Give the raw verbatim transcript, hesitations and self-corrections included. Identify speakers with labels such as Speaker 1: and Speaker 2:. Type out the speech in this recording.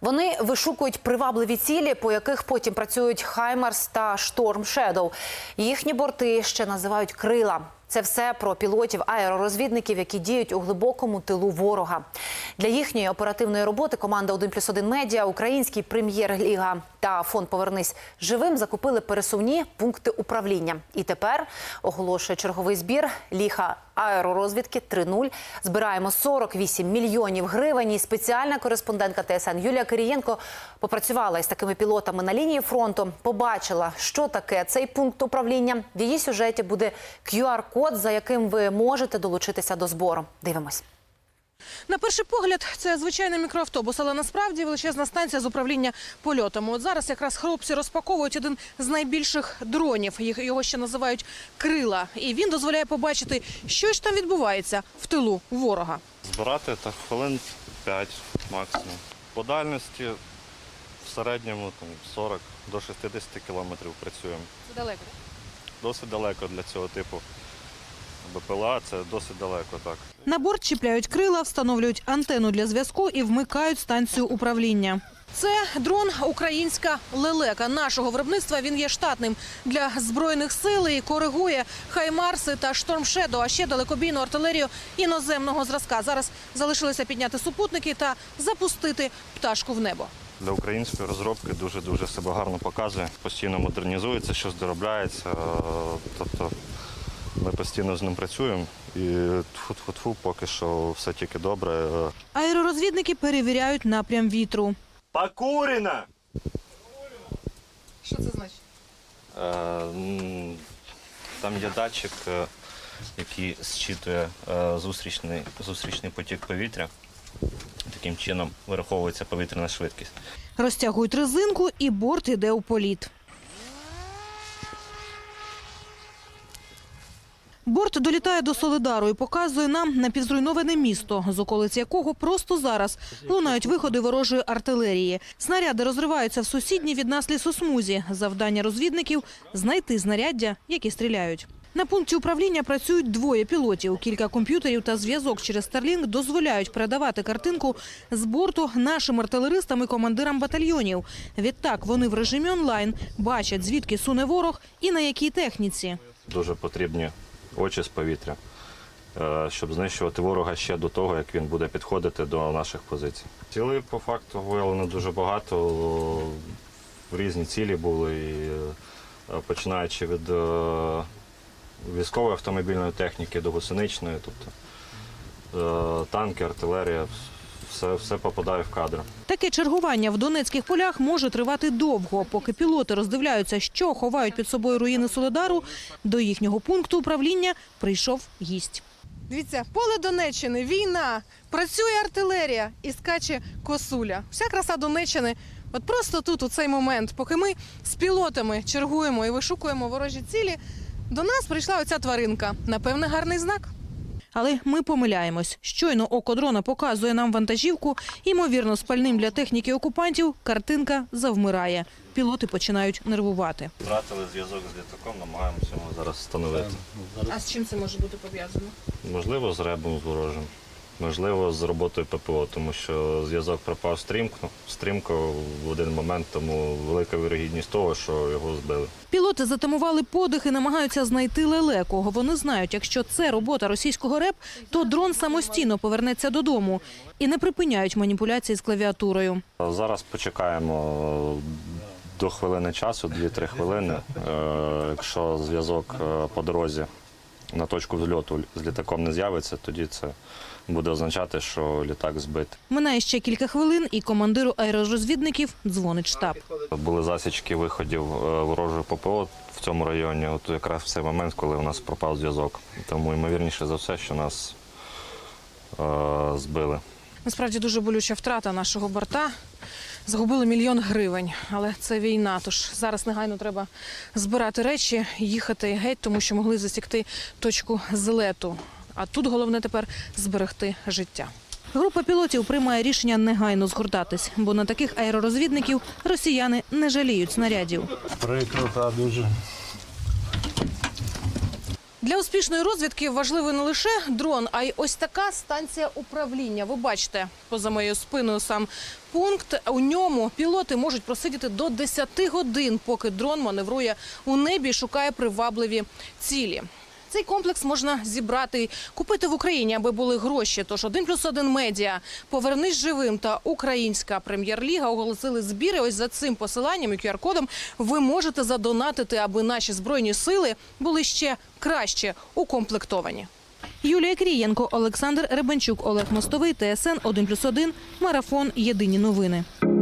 Speaker 1: Вони вишукують привабливі цілі, по яких потім працюють «Хаймарс» та «Шторм Шедоу». Їхні борти ще називають «крила». Це все про пілотів-аеророзвідників, які діють у глибокому тилу ворога. Для їхньої оперативної роботи команда один плюс один Медіа, Український Прем'єр-ліга та фонд «Повернись живим» закупили пересувні пункти управління. І тепер, оголошує черговий збір «Ліга аеророзвідки три нуль». Збираємо сорок вісім мільйонів гривень. І спеціальна кореспондентка Т С Н Юлія Кирієнко попрацювала із такими пілотами на лінії фронту, побачила, що таке цей пункт управління. В її сюжеті буде Q R код, за яким ви можете долучитися до збору. Дивимось.
Speaker 2: На перший погляд, це звичайний мікроавтобус, але насправді величезна станція з управління польотами. От зараз якраз хлопці розпаковують один з найбільших дронів. Його ще називають «Крила». І він дозволяє побачити, що ж там відбувається в тилу ворога.
Speaker 3: Збирати так хвилин п'ять максимум. По дальності в середньому там, сорок до шістдесят кілометрів працюємо.
Speaker 2: Це далеко?
Speaker 3: Досить далеко для цього типу Б П Л А, це досить далеко, так.
Speaker 2: На борт чіпляють крила, встановлюють антенну для зв'язку і вмикають станцію управління. Це дрон «Українська лелека». Нашого виробництва він є штатним для Збройних сил і коригує «Хаймарси» та «Шторм Шедоу», а ще далекобійну артилерію іноземного зразка. Зараз залишилося підняти супутники та запустити пташку в небо.
Speaker 3: Для української розробки дуже-дуже себе гарно показує. Постійно модернізується, щось доробляється. Тобто ми постійно з ним працюємо і тфу-тфу-тфу, поки що все тільки добре.
Speaker 2: Аеророзвідники перевіряють напрям вітру.
Speaker 3: Покурено!
Speaker 2: Що це значить?
Speaker 3: Е, там є датчик, який зчитує зустрічний, зустрічний потік повітря. Таким чином вираховується повітряна швидкість.
Speaker 2: Розтягують резинку і борт іде у політ. Борт долітає до Солидару і показує нам напівзруйноване місто, з околиць якого просто зараз лунають виходи ворожої артилерії. Снаряди розриваються в сусідній від нас лісосмузі. Завдання розвідників – знайти знаряддя, які стріляють. На пункті управління працюють двоє пілотів. Кілька комп'ютерів та зв'язок через Starlink дозволяють передавати картинку з борту нашим артилеристам і командирам батальйонів. Відтак вони в режимі онлайн бачать, звідки суне ворог і на якій техніці.
Speaker 3: Дуже потрібні очі з повітря, щоб знищувати ворога ще до того, як він буде підходити до наших позицій. Цілей по факту виявлено дуже багато, в різні цілі були, і починаючи від військової автомобільної техніки до гусеничної, тобто танки, артилерія, все, все попадає в кадр.
Speaker 2: Таке чергування в Донецьких полях може тривати довго. Поки пілоти роздивляються, що ховають під собою руїни Солидару, до їхнього пункту управління прийшов гість. Дивіться, поле Донеччини, війна, працює артилерія і скаче косуля. Вся краса Донеччини от просто тут, у цей момент, поки ми з пілотами чергуємо і вишукуємо ворожі цілі, до нас прийшла оця тваринка. Напевне, гарний знак. Але ми помиляємось. Щойно око дрона показує нам вантажівку, ймовірно, спальним для техніки окупантів, картинка завмирає. Пілоти починають нервувати.
Speaker 3: Втратили зв'язок з літаком, намагаємося його зараз встановити.
Speaker 2: А з чим це може бути пов'язано?
Speaker 3: Можливо, з ребом з ворожим. Можливо, з роботою П П О, тому що зв'язок пропав стрімко, стрімко в один момент, тому велика вірогідність того, що його збили.
Speaker 2: Пілоти затамували подих і намагаються знайти лелеку. Вони знають, якщо це робота російського РЕП, то дрон самостійно повернеться додому. І не припиняють маніпуляції з клавіатурою.
Speaker 3: Зараз почекаємо до хвилини часу, дві-три хвилини. Якщо зв'язок по дорозі на точку взльоту з літаком не з'явиться, тоді це буде означати, що літак збитий.
Speaker 2: Минає ще кілька хвилин, і командиру аеророзвідників дзвонить штаб.
Speaker 3: Були засічки виходів ворожої П П О в цьому районі, от якраз в цей момент, коли у нас пропав зв'язок. Тому, ймовірніше за все, що нас е збили.
Speaker 2: Насправді дуже болюча втрата нашого борта. Загубили мільйон гривень, але це війна, тож зараз негайно треба збирати речі, їхати геть, тому що могли засікти точку злету. А тут головне тепер зберегти життя. Група пілотів приймає рішення негайно згортатись, бо на таких аеророзвідників росіяни не жаліють снарядів.
Speaker 4: Прикро, та дуже.
Speaker 2: Для успішної розвідки важливий не лише дрон, а й ось така станція управління. Ви бачите, поза моєю спиною сам пункт. У ньому пілоти можуть просидіти до десяти годин, поки дрон маневрує у небі і шукає привабливі цілі. Цей комплекс можна зібрати і купити в Україні, аби були гроші. Тож один плюс один медіа, «Повернись живим» та Українська прем'єр-ліга оголосили збіри. Ось за цим посиланням і ку ар-кодом ви можете задонатити, аби наші Збройні сили були ще краще укомплектовані. Юлія Крієнко, Олександр Ребенчук, Олег Мостовий, Т С Н один плюс один, Марафон, Єдині новини.